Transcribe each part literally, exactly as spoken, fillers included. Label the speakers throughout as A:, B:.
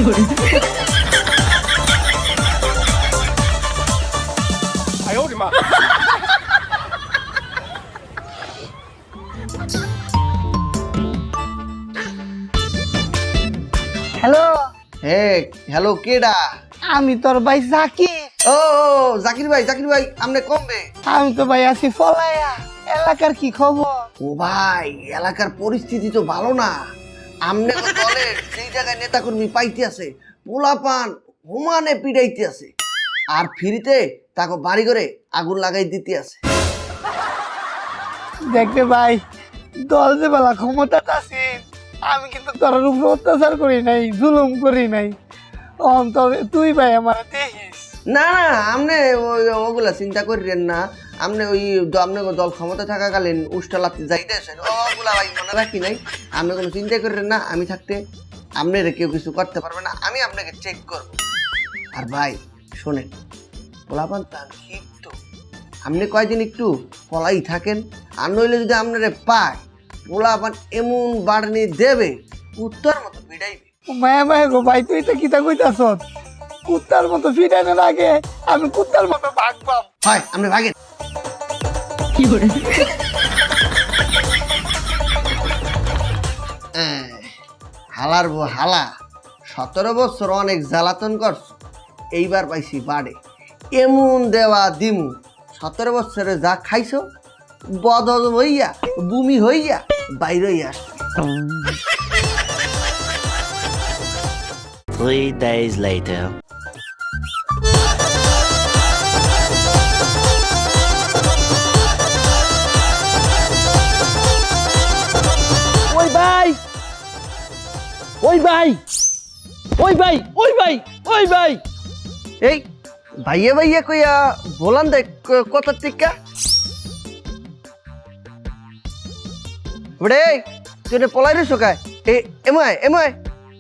A: 哎呦我的妈！
B: hello,
C: হে hello কেডা?
B: আমি তোর ভাই জাকির।
C: ও জাকির ভাই, জাকির ভাই আমনে কমবে?
B: আমি তো ভাই আছি ফলাইয়া। এলাকার কি খবর?
C: ও ভাই এলাকার পরিস্থিতি তো ভালো না। আমনে তো দলের সেই জায়গায় নেতাকর্মী পাইতে আছে, পোলাপান হুমানে পিড়াইতে আছে, আর ফ্রিতে তাকে বাড়ি করে আগুন লাগাই দিতে আছে।
B: দেখতে ভাই, দল যে বেলা ক্ষমতা আছে, আমি কিন্তু তোর উপর অত্যাচার করি নাই, জুলুম করি নাই। অন্তর তুই ভাই আমার দেখিস।
C: না না আমনে ওই- ওগুলা চিন্তা করিলেন না। আমনে ওই দ- আমনে দল ক্ষমতা থাকাকালীন উষ্টা লাতে যাইতে আসেন, ওগুলা ভাই মনে রাখি নাই। আপনি কোনো চিন্তা করিলেন না, আমি থাকতে আপনারা কেউ কিছু করতে পারবে না, আমি আপনাকে চেক করব। আর ভাই শোনেন, পোলাপান তার ক্ষিপ্ত, আপনি কয়দিন একটু পলাই থাকেন, আর নইলে যদি আপনারে পায় পোলাপান এমন বাড়নি দেবে উত্তর মতো বিড়াইবে।
B: মায়া মায়া গো ভাই, তুই তো কিতা কইতাছ? কুত্তার মতো ফিটানোর আগে আমি কুত্তার মতো ভাগবাম।
C: হয় আপনি ভাগেন। হ্যাঁ, হালার বউ হালা, সতেরো বছর অনেক জ্বালাতন করছ, এইবার পাইছি বাড়ে এমন দেওয়া দিমু, সতেরো বছরে যা খাইছো বদল হইয়া বুমি হইয়া বাইরে আসবে।
D: Three days later.
E: ওই ভাই, ওই ভাই, ওই ভাই, ওই ভাই, ওই ভাই।
C: এই ভাইয়া ভাইয়া কইয়া বলান দেখ কত টিকা ওরে, তুই না পলাই রইছ কায়? এ এমআই এমআই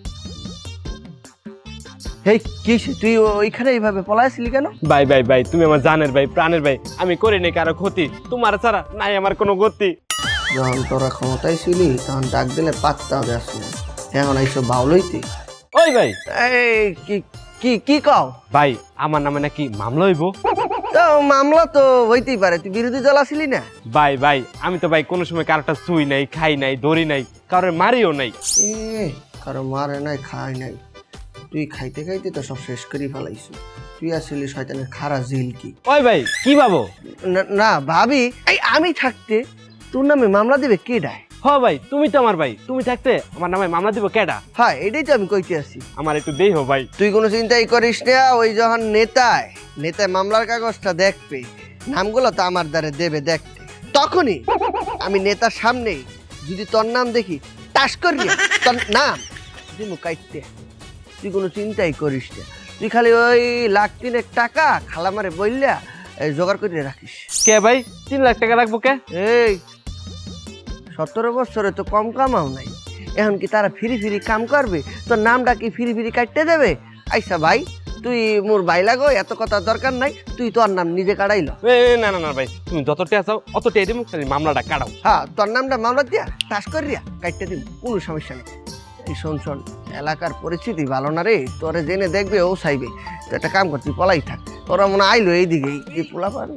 C: এই কি হইছে? তুই ওইখানে এইভাবে পলাইছিলি কেন?
E: ভাই ভাই ভাই, তুমি আমার জানের ভাই, প্রাণের ভাই, আমি করি নাই কারো ক্ষতি, তোমার ছাড়া নাই আমার কোনো গতি।
C: যখন তোরা ক্ষমতায় ছিলি তখন ডাক দিলে পাত্তা দেওয়ার সময়, এখন এইসব বাউলইতে।
E: ওই ভাই,
C: এই কি কি কি কও?
E: ভাই আমার নামে নাকি মামলা হইব?
C: তো মামলা তো হইতেই পারে, তুই বিরোধী দল আসিলি না?
E: ভাই ভাই, আমি তো ভাই কোনো সময় কারোটা ছুই নাই, খাই নাই, ধরি নাই, কারোর মারিও নাই।
C: এ কারো মারে নাই, খাই নাই, তুই খাইতে খাইতে তো সব শেষ করে ফেলাইছিস। তুই আসলে শয়তানের খারা জিল কি?
E: ওই ভাই কি ভাবো?
C: না- না ভাবি, এই আমি থাকতে তোর নামে মামলা দিবে কে ডায়?
E: হ ভাই, তুমি তো আমার ভাই, তুমি থাকতে আমার নামে মামলা দিব কেডা?
C: হ্যাঁ এটাই তো আমি কইতে আছি।
E: আমার একটু দেই হো ভাই।
C: তুই কোনো চিন্তাই করিস না, ওই যখন নেতায় নেতায় মামলার কাগজটা দেখবে, নামগুলো তো আমার দ্বারে দেবে দেখতে, তখনই আমি নেতার সামনে যদি তোর নাম দেখি টাস করি তোর নাম দিমু কাইতে। তুই কোনো চিন্তাই করিস না, তুই খালি ওই লাখ তিনেক টাকা খালামারে বললা এই জোগাড় করে রাখিস।
E: কে ভাই, তিন লাখ টাকা রাখবো কে?
C: এই সতেরো বছরে তো কম কামাও নাই, এখন কি তারা ফিরি ফিরি কাম করবে? তোর নামটা কি ফিরি ফিরি কাটতে দেবে? আইসা ভাই, তুই মোর ভাই লাগো, এত কথা দরকার নাই, তুই তোর নাম নিজে কাটাইল।
E: এ, না না না ভাই, তুমি যত টেয়া চাও অত টেয়া দিবো, খালি মামলাটা কাটাও।
C: হ্যাঁ তোর নামটা মামলা দিয়া টাস করিয়া কাটতে দিব, কোনো সমস্যা নেই। এই শোন শোন, এলাকার পরিস্থিতি ভালো না রে, তোরে জেনে দেখবে ও চাইবে, তো একটা কাম কর, তুই পলাই থাক, তোরা মনে আইলো এইদিকে এই পোলা পান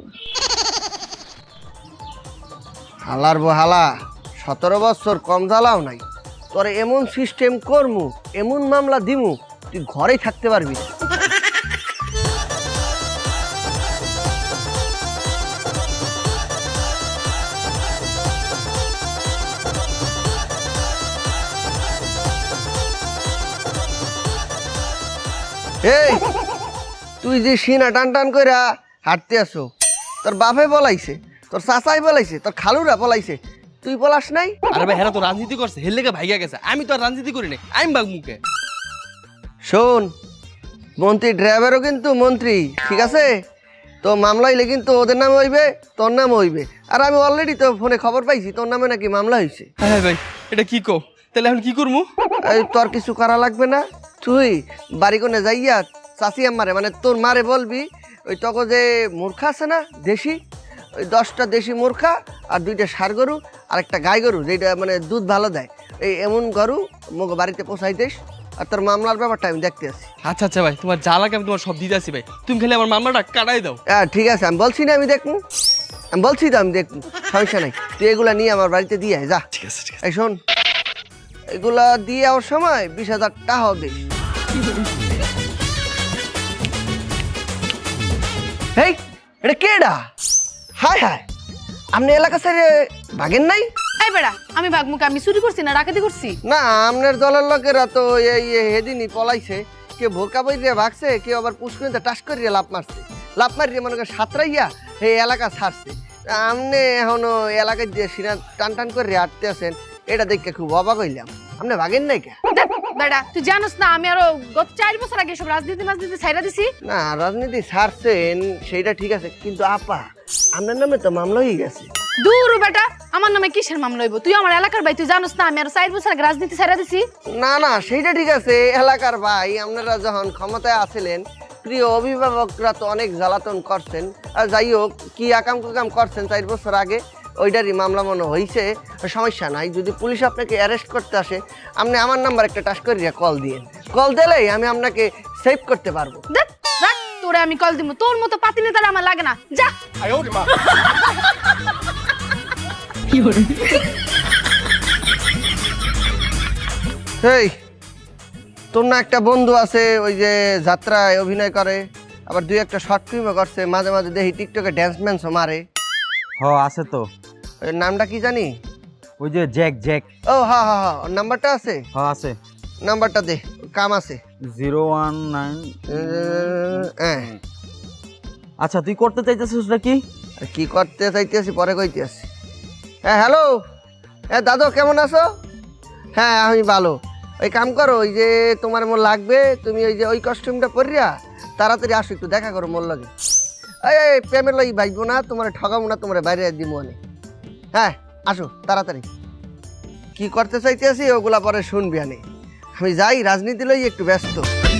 C: হালার বো হালা, সতেরো বছর কম জ্বালাও নাই, তোরে এমন সিস্টেম করমু, এমন মামলা দিমু, তুই ঘরেই থাকতে পারবি না। এই তুই যে সিনা টান টান কইরা হাঁটতে আসো, তোর বাপে বলাইছে, তোর চাচাই বলাইছে, তোর খালুরা বলাইছে, তুই বলাস নাই?
F: আরে ভাই হেরা তো রাজনীতি করছে, হের লেগে ভাইগা গেছে, আমি তো আর রাজনীতি করি নাই, আমি বাগ মুখে।
C: শোন, মন্ত্রী ড্রাইভারও কিন্তু মন্ত্রী, ঠিক আছে? তো মামলা হইলে কিন্তু ওদের নামে হইবে, তোর নামে হইবে। আর আমি অলরেডি তো ফোনে খবর পাইছি তোর নামে নাকি মামলা হয়েছে।
F: হ্যাঁ ভাই, এটা কি কো? তাহলে এখন কি করবো?
C: এই তোর কিছু করা লাগবে না, তুই বাড়ি কোনে যাইয়া চাচি আম্মারে, মানে তোর মারে বলবি, ওই তখন যে মূর্খা আছে না দেশি, ওই দশটা দেশি মূর্খা আর দুইটা ষাঁড় গরু আর একটা গাই গরু যেটা মানে দুধ ভালো দেয়, এই এমন গরু মগ বাড়িতে পোষাই দিস, আর তোর মামলার ব্যাপারটা আমি দেখতে আছি।
F: আচ্ছা আচ্ছা ভাই, তোমার যা লাগে আমি তোমার সব দিতে আসি ভাই, তুমি খালি আমার মামলাটা কাটাই দাও।
C: হ্যাঁ ঠিক আছে, আমি বলছি না আমি দেখবো, আমি বলছি তো আমি দেখবো, সমস্যা নাই। তুই এগুলা নিয়ে আমার বাড়িতে দিয়ে আয়, যা।
F: ঠিক আছে ঠিক আছে।
C: এই শোন, এগুলা দিয়ে যাওয়ার সময় বিশ হাজার টাকাও দিস। এই এটা কেডা? হায় হায়, আপনি এলাকা ছেড়ে ভাগেন নাই?
A: এই বেড়া, আমি ভাগমুখে আমি চুরি করছি না ডাকাতি করছি?
C: না, আপনার দলের লোকেরা তো এই হেদিনই পলাইছে, কে ভোরকা বইরিয়া ভাগছে, কেউ আবার পুষ্করিতে টাস করিয়া লাভ মারছে, লাভ মারিয়ে মনে করে সাঁতরাইয়া এই এলাকা ছাড়ছে। আপনি এখনো এলাকায় দিয়ে সিনা টান টান করে আটতে আছেন, এটা দেখে খুব অবাক হইলাম। আপনি ভাগেন নাই কে?
A: দেখ বেড়া, তুই জানোস না আমি আরো গত চার বছর আগে সব রাজনীতি মাজনীতি ছাইরা দিছি।
C: না, রাজনীতি ছাড়ছেন সেইটা ঠিক আছে, কিন্তু আপা আপনার নামে তো মামলা হয়ে গেছে।
A: দূর বেটা, আমার নামে কিসের মামলা হইব? তুই আমার এলাকার ভাই, তুই জানোস না আমি আরো চার বছর আগে রাজনীতি ছাইরা দিছি।
C: না না, সেইটা ঠিক আছে এলাকার ভাই, আপনারা যখন ক্ষমতায় আছিলেন প্রিয় অভিভাবকরা তো অনেক জ্বালাতন করছেন। আর যাই হোক, কি আকাম কুকাম করছেন চার বছর আগে, ওইটারই মামলা মনে হয়েছে। সমস্যা নাই, যদি পুলিশ আপনাকে অ্যারেস্ট করতে আসে, আপনি আমার নাম্বার একটা টাচ করিয়া কল দিয়েন, কল দিলেই আমি আপনাকে সেভ করতে পারবো।
A: দেখ রাখ, তোরে আমি কল দিব, তোর মতো পাতি নেতারা আমার লাগে না, যা।
C: এই তোর না একটা বন্ধু আছে ওই যে যাত্রায় অভিনয় করে, আবার দুই একটা শর্ট ফিল্মও করছে, মাঝে মাঝে দেখি টিকটকে ড্যান্স ম্যান্সও মারে।
D: হ আছে তো,
C: ওই নামটা কি জানি?
D: ওই যে জ্যাক জ্যাক।
C: ও হ্যাঁ হ্যাঁ হ্যাঁ, ওর নাম্বারটা আছে?
D: হ আছে।
C: নাম্বারটা দে, কাম আছে।
D: Zero one nine.
C: হ্যাঁ,
D: আচ্ছা তুই করতে চাইতেছিস নাকি?
C: কি করতে চাইতেছি পরে কইতে আসি। হ্যাঁ হ্যালো, হ্যাঁ দাদু কেমন আছো? হ্যাঁ আমি ভালো। ওই কাম করো, ওই যে তোমার মোর লাগবে, তুমি ওই যে ওই কস্টিউমটা পরিয়া তাড়াতাড়ি আসো, একটু দেখা করো মোর লাগে। এই প্রেমের লাগি ভাইবো না, তোমার ঠগাবো না, তোমার বাইরে দিব অনেক। হ্যাঁ আসো তাড়াতাড়ি। কি করতে চাইতেছি ওগুলা পরে শুনবি, আনে আমি যাই, রাজনীতি লই একটু ব্যস্ত।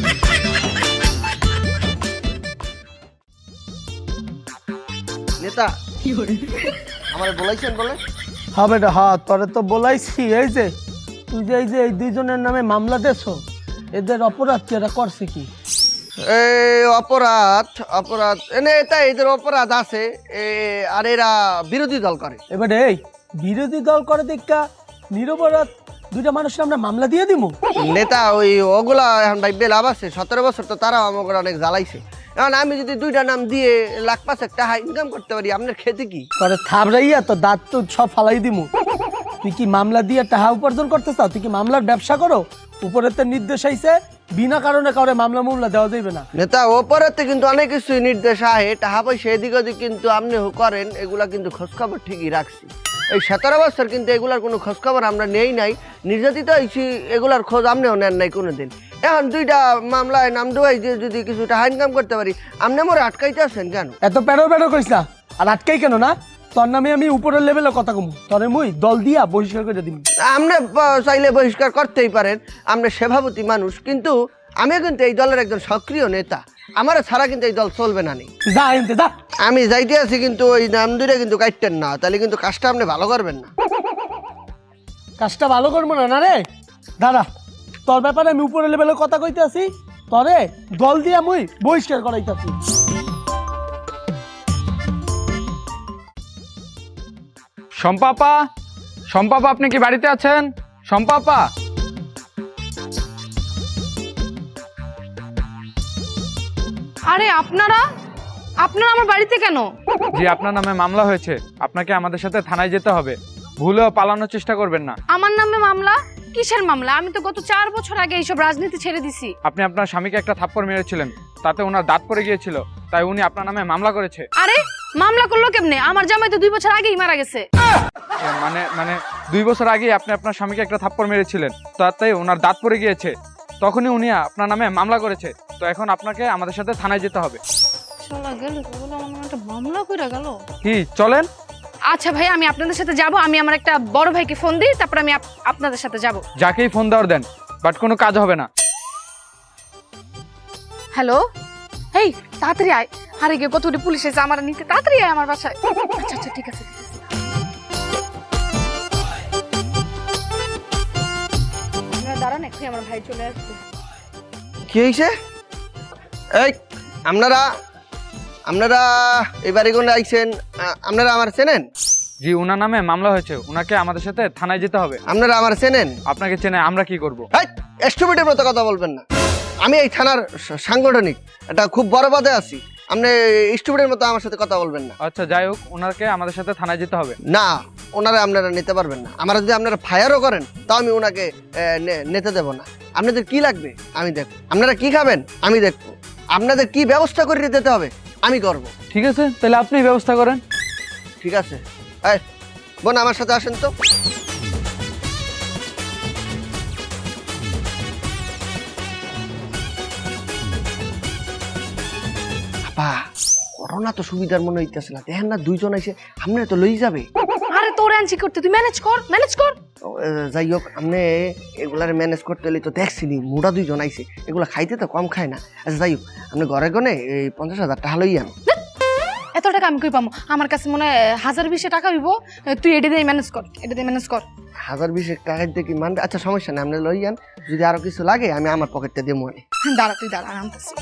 C: নেতা আমার বলাইছেন বলে?
B: হ্যাঁ বেটা, হ্যাঁ তোরে তো বলাইছি। এই যে তুই যে এই যে এই দুইজনের নামে মামলা দেছ, এদের অপরাধ কি, এরা করছে কি?
C: এই অপরাধ অপরাধ এনে এটা এদের অপরাধ আছে, এ, আর এরা বিরোধী দল করে।
B: এবারে এই বিরোধী দল করে দেখা নিরপরাধ দুইটা মানুষের আমরা মামলা দিয়ে দিব?
C: নেতা ওই ওগুলা এখন ভাই লাভ আছে, সতেরো বছর তো তারাও আমাকে অনেক জ্বালাইছে। এখন আমি যদি দুইটা নাম দিয়ে লাখ পাঁচ টাকা ইনকাম করতে পারি, আপনার খেতে কি?
B: তোরে থাবড়াইয়া তো দাঁত তো সব ফালাই দিমু। তুই কি মামলা দিয়ে টাকা উপার্জন করতে চাও? তুই কি মামলার ব্যবসা করো? উপরে তো নির্দেশ আইছে বিনা কারণে কাউরে মামলা মামলা দেওয়া যাবে না।
C: নেতা ওপরেতে কিন্তু অনেক কিছু নির্দেশ আহে, টাকা পয়সা এদিক ওদিক কিন্তু আপনি করেন, এগুলা কিন্তু খোঁজখবর ঠিকই রাখছি। এই সতেরো বছর কিন্তু এগুলার কোনো খোঁজখবর আমরা নেই নাই, নির্যাতিত হয়েছি, এগুলার খোঁজ আপনিও নেন নাই কোনো দিন। এখন দুইটা মামলায় নাম দেওয়াই যে যদি কিছু টাকা ইনকাম করতে পারি, আপনি মোরে আটকাইতে আছেন কেন?
B: এত প্যারো প্যারো করিস না, আর আটকাই কেন না? তোর নামে আমি উপরের লেভেলে কথা কমু, তোরে মুই দল দিয়া বহিষ্কার করে দিবি।
C: আপনি চাইলে বহিষ্কার করতেই পারেন, আপনি সভাপতি মানুষ, কিন্তু আমিও কিন্তু এই দলের একজন সক্রিয় নেতা, আমার ছাড়া কিন্তু এই দল চলবে না। নেই
B: যা এনতে যা।
C: আমি যাইতে আছি, কিন্তু ওই নাম দুইটা কিন্তু কাটতেন না, তাহলে কিন্তু কাজটা আপনি ভালো করবেন না।
B: কাজটা ভালো করবো না? না রে দাদা, তোর ব্যাপারে আমি উপরের লেভেলে কথা কইতে আছি, তরে দল দিয়া মুই বহিষ্কার করাইতাছি।
G: শম্পাপা, শম্পাপা আপনি কি বাড়িতে আছেন? শম্পাপা,
A: আরে আপনারা আপনারা আমার বাড়িতে কেন?
G: জি আপনার নামে মামলা হয়েছে, আপনাকে আমাদের সাথে থানায় যেতে হবে, ভুলেও পালানোর চেষ্টা করবেন না।
A: আমার নামে মামলা? কিসের মামলা? আমি তো গত চার বছর আগে এইসব রাজনীতি ছেড়ে দিছি।
G: আপনি আপনার স্বামীকে একটা থাপ্পড় মেরেছিলেন, তাতে ওনার দাঁত পড়ে গিয়েছিল, তাই উনি আপনার নামে মামলা করেছে।
A: আরে মামলা করলো কেমনে? আমার জামাই তো দুই বছর আগেই মারা গেছে।
G: এ, মানে মানে দুই বছর আগে আপনি আপনার স্বামীকে একটা থাপ্পড় মেরেছিলেন, তাতে ওনার দাঁত পড়ে গিয়েছে, তখনই উনি আপনার নামে মামলা করেছে। তো এখন আপনাকে আমাদের সাথে থানায় যেতে হবে।
A: শালা গেল, বলে আমার নামে একটা মামলা কইরা গেল।
G: কি চলেন?
A: আচ্ছা ভাই, আমি আপনাদের সাথে যাব। আমি আমার একটা বড় ভাইকে ফোন দিই, তারপর আমি আপ- আপনাদের সাথে যাব।
G: যাকেই ফোন দেওয়ার দেন, বাট কোনো কাজ হবে না।
A: হ্যালো, এই তাড়াতাড়ি আয়। আরে গে কতগুলি পুলিশ এসে আমার নিতে, তাড়াতাড়ি আয় আমার বাসায়। আচ্ছা আচ্ছা ঠিক আছে ঠিক আছে। আপনারা দাঁড়ান একটু। সাথে আমার ভাই চলে আসবে।
C: কি হয়েছে? এই আপনারা আপনারা এই বাড়ি কোনে আইছেন? আ- আপনারা আমার চেনেন?
G: জি, ওনার নামে মামলা হয়েছে, ওনাকে আমাদের সাথে থানায় যেতে হবে।
C: আপনারা আমার চেনেন?
G: আপনাকে চেনে, আমরা কি করব?
C: এই স্টুপিডের মতো কথা বলবেন না। আমি এই থানার সা- সাংগঠনিক এটা খুব বড় পদে আছি। আপনি স্টুপিডের মতো আমার সাথে কথা বলবেন না।
G: আচ্ছা যাই হোক, ওনাকে আমাদের সাথে থানায় যেতে হবে।
C: না, ওনারা আপনারা নিতে পারবেন না। আমার যদি আপনারা ফায়ারও করেন তাও আমি ওনাকে এ, নে- নিতে দেব না। আপনাদের কি লাগবে আমি দেখব, আপনারা কি খাবেন আমি দেখব, আপনাদের কি ব্যবস্থা করে দিতে হবে আমি করব।
G: ঠিক আছে, তাহলে আপনি ব্যবস্থা করেন।
C: ঠিক আছে, এই বোন আমার সাথে আসেন তো। আপা করোনা তো সুবিধার মনে হইতেছে না, দেখেন না দুইজন এসে আপনারা তো লই যাবে।
A: আরে তোর আনছি করতে, তুই ম্যানেজ কর, ম্যানেজ কর।
C: ও, এ, যাই হোক আপনি এগুলার ম্যানেজ করতে হলে তো দেখছিনি মোটা দুইজন আইছে, এগুলা খাইতে তো কম খায় না। আচ্ছা যাই হোক আপনি ঘরে গনে এই পঞ্চাশ হাজার টাকা লই আন।
A: এত টাকা আমি কই পাবো? আমার কাছে মনে হয় হাজার বিশে টাকা দিব। তুই এটা দিয়ে ম্যানেজ কর, এটা দিয়ে ম্যানেজ কর।
C: হাজার বিশেক টাকা দিয়ে কি মানবে? আচ্ছা সমস্যা নেই, আপনি লই আন। যদি আরো কিছু লাগে আমি আমার পকেটটা দিয়ে মনে।
A: দাঁড়া তুই দাঁড়া, আনতেছি।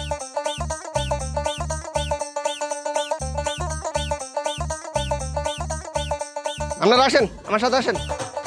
C: আপনারা আসেন আমার সাথে আসেন।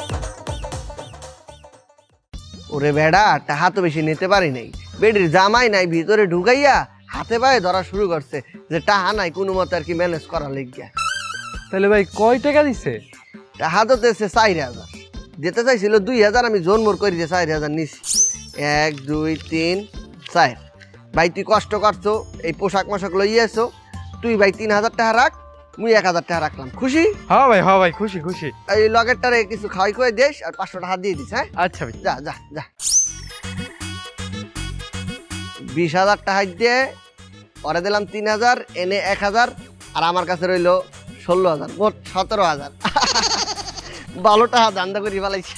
C: ওরে বেড়া টাহা তো বেশি নিতে পারি নাই, বেডির জামাই নাই ভিতরে ঢুকাইয়া হাতে পায়ে ধরা শুরু করছে যে টাহা নাই কোনো মতে আর কি ম্যানেজ করা লেগিয়া।
G: তাহলে ভাই কয় টাকা দিছে?
C: টাহা তো দিয়েছে চার হাজার, যেতে চাইছিল দুই হাজার, আমি জোন মোর করে দিয়ে চার হাজার নিছি। এক দুই তিন চার। ভাই তুই কষ্ট করছো, এই পোশাক মোশাক লইয়াছো, তুই ভাই তিন হাজার টাকা রাখ, মুই এক হাজার টাকা রাখলাম, খুশি?
G: হ্যাঁ ভাই, হ্যাঁ ভাই, খুশি খুশি।
C: এই লগেরটারে কিছু খাওয়াই খুয়াই দিস আর পাঁচশো টাকা দিয়ে দিস। হ্যাঁ
G: আচ্ছা ভাই।
C: যা যা যা। বিশ হাজার টাকা দিয়ে পরে দিলাম তিন হাজার, এনে এক হাজার, আর আমার কাছে রইলো ষোলো হাজার, মোট সতেরো হাজার। ভালো টাকা দান্দা করি ফেলাইছি।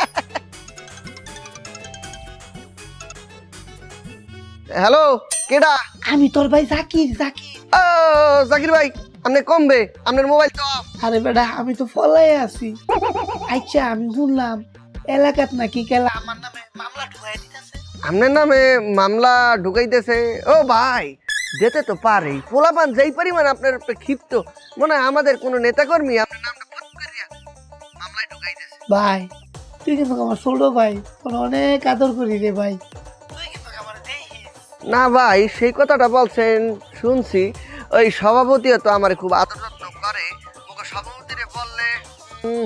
C: হ্যালো কেডা?
B: আমি তোর ভাই জাকির জাকির
C: ও জাকির ভাই, আপনি কমবে, আপনার মোবাইল তো off।
B: আরে বেটা আমি তো ফলাই আছি। আচ্ছা আমি শুনলাম এলাকাত নাকি কেলা আমার নামে মামলা ঢুকাই দিতেছে।
C: আপনার নামে মামলা ঢুকাইতেছে? ও ভাই যেতে তো পারে, পোলাপান যেই পরিমাণ আপনার উপরে ক্ষিপ্ত, মনে হয় আমাদের কোনো নেতাকর্মী আপনার নামটা ফট করিয়া মামলায় ঢুকাইতেছে।
B: ভাই তুই কিন্তু আমার ছোট ভাই, তোর অনেক আদর করি রে ভাই, তুই কিন্তু আমার দেখিস।
C: না ভাই সেই কথাটা বলছেন শুনছি, ওই সভাপতিও তো আমার খুব আদর যত্ন করে, ওকে সভাপতিরে বললে উম,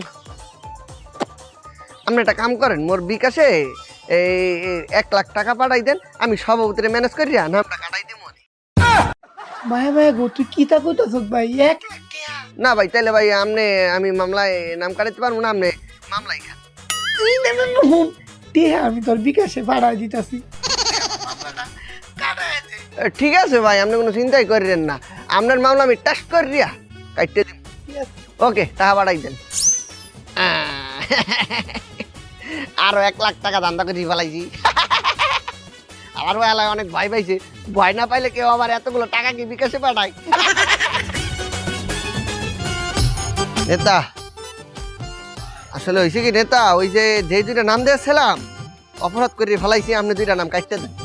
C: আপনি একটা কাম করেন, মোর বিকাশে এই এই এক লাখ টাকা পাঠাই দেন, আমি সভাপতিরে ম্যানেজ করিয়া নামটা কাটাই দিব।
B: মায়া মায়া গো তুই কি তা কইতাছ ভাই? এক লাখ টাকা?
C: না ভাই তাহলে ভাই আপনি আমি মামলায় নাম কাটাইতে পারবো না, আপনি মামলাই খান।
B: তুই না না নুন টিয়া আমি তোর বিকাশে পাঠাই দিতাছি।
C: এ, ঠিক আছে ভাই, আপনি কোনো চিন্তাই করিলেন না, আপনার মামলা আমি টেস্ট করিয়া কাটতে দিব। ওকে টাকা পাঠাই দেন। আহ, আরো এক লাখ টাকা ধান্দা করে ফেলাইছি। আমার বেলায় অনেক ভয় পাইছে, ভয় না পাইলে কেউ আবার এতগুলো টাকা কি বিকাশে পাঠায়? নেতা আসলে হয়েছে কি নেতা, ওই যে যে দুইটা নাম দিয়েছিলাম অপরাধ করে ফেলাইছি, আপনি দুইটা নাম কাটতে দেন।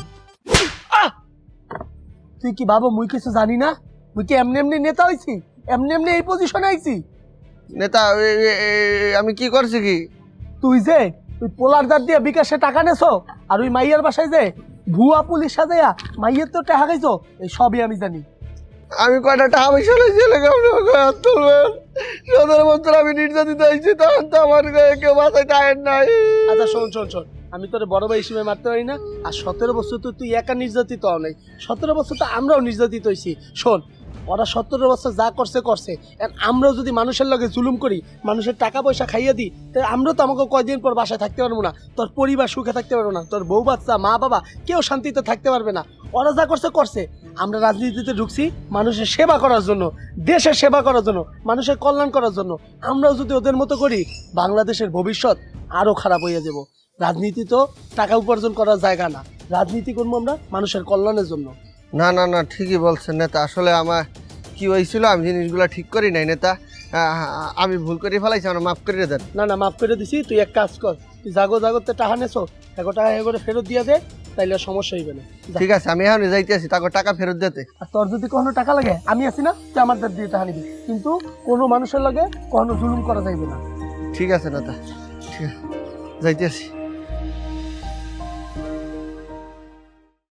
B: তুই কি বাবা মুই কিছু জানি না? মুই কি এমনি এমনি নেতা হইছি? এমনি এমনি এই পজিশনে আইছি?
C: নেতা এ- এ- এ- আমি কি করছি কি?
B: তুই যে তুই পোলার দাঁত দিয়ে বিকাশে টাকা নেছো, আর ওই মাইয়ার বাসায় যে ভুয়া পুলিশ সাজাইয়া মাইয়ের তো টাকা খাইছো, এই সবই আমি জানি।
C: আমি কয়টা টাকা পয়সা লইছি তুলবেন, সতেরো বছর আমি নির্যাতিত হয়েছি, তখন তো আমার গায়ে কেউ মাথায় টায়ার নাই।
B: আচ্ছা শোন শোন শোন, আমি তোর বড় ভাই হিসেবে মারতে পারি না, আর সতেরো বছর তো তুই একা নির্যাতিত হও নাই, সতেরো বছর তো আমরাও নির্যাতিত হয়েছি। শোন ওরা সতেরো বছর যা করছে করছে, আর আমরাও যদি মানুষের লগে জুলুম করি, মানুষের টাকা পয়সা খাইয়ে দিই, তাহলে আমরাও তো আমাকে কয়দিন পর বাসায় থাকতে পারবো না, তোর পরিবার সুখে থাকতে পারবো না, তোর বউ বাচ্চা মা বাবা কেউ শান্তিতে থাকতে পারবে না। ওরা যা করছে করছে, আমরা রাজনীতিতে ঢুকছি মানুষের সেবা করার জন্য, দেশের সেবা করার জন্য, মানুষের কল্যাণ করার জন্য। আমরাও যদি ওদের মতো করি, বাংলাদেশের ভবিষ্যৎ আরো খারাপ হয়ে যাব। রাজনীতি তো টাকা উপার্জন করার জায়গা না, রাজনীতি করবো আমরা মানুষের কল্যাণের জন্য।
C: না না না ঠিকই বলছেন নেতা, আসলে আমার কি হয়েছিল আমি জিনিসগুলো ঠিক করি নাই নেতা, আ- আ- আমি ভুল করে ফেলাইছি, আমার মাফ করে দেন।
B: না না মাফ করে দিছি, তুই এক কাজ কর, তুই জাগো জাগতে টাকা নেছো এগো টাকা এগোরে ফেরত দিয়ে দে, তাইলে আর সমস্যা হইবে না। যা।
C: ঠিক আছে আমি এখন যাইতে আছি, তাকে টাকা ফেরত দিতে।
B: আর তোর যদি কোনো টাকা লাগে আমি আছি না, তুই আমার দ্বার দিয়ে টাকা নিবি, কিন্তু কোনো মানুষের লাগে কখনো জুলুম করা যাইবে না।
C: ঠিক আছে না তা, ঠিক আছে যাইতে আছি।